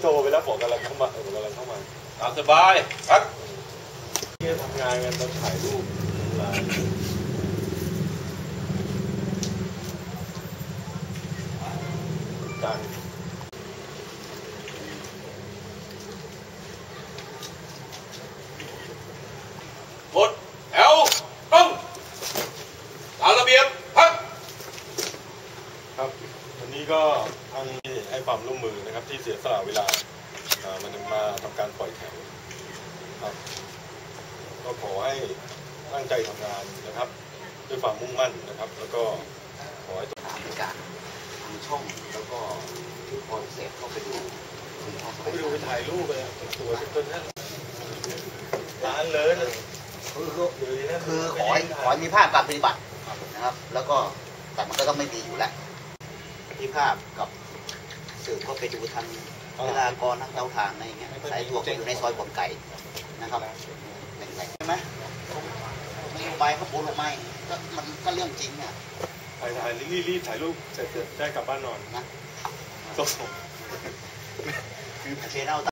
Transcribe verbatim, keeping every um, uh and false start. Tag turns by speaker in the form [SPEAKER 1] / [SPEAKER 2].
[SPEAKER 1] รไปแล้วบอกกำลังเข้ามาบอกกำลังเข้ามา
[SPEAKER 2] ตามสบายครับ
[SPEAKER 1] ที่ทำงานกันต้องถ่ายรูปไลน์การ
[SPEAKER 2] หมดแถวต้องตามระเบียบครับ
[SPEAKER 1] ครับวันนี้ก็ทางให้ความร่วมมือนะครับที่เสียสละเวลามันมาทำการปล่อยแถวครับก็ขอให้ตั้งใจทำงานนะครับด้วยความมุ่งมั่นนะครับแล้วก็ขอให้
[SPEAKER 3] ตามการทำช่องแล้วก็คือพอเสร็จเข้าไปดู
[SPEAKER 1] ไปดูไปถ่ายรูปไปสวยจนนั้นร้านเลย
[SPEAKER 3] คือคือขอให้ขอให้มีภาพการปฏิบัตินะครับแล้วก็แต่มันก็ต้องไม่ดีอยู่แล้วมีภาพกับสื่อก็ไปดูทางเวลากรทางเตาถ่านอะไรอย่างเงี้ยสายตัวก็อยู่ในซอยบ่อนไก่นะครับแหล่งๆใช่ไหมนโยบายเขาพูดออกมาก็มันก็เรื่องจริงเนี่ย
[SPEAKER 1] ถ่ายถ่ายรีบรีบถ่ายรูปเสร็จได้กลับบ้านนอนนะ
[SPEAKER 3] คือเชนเอา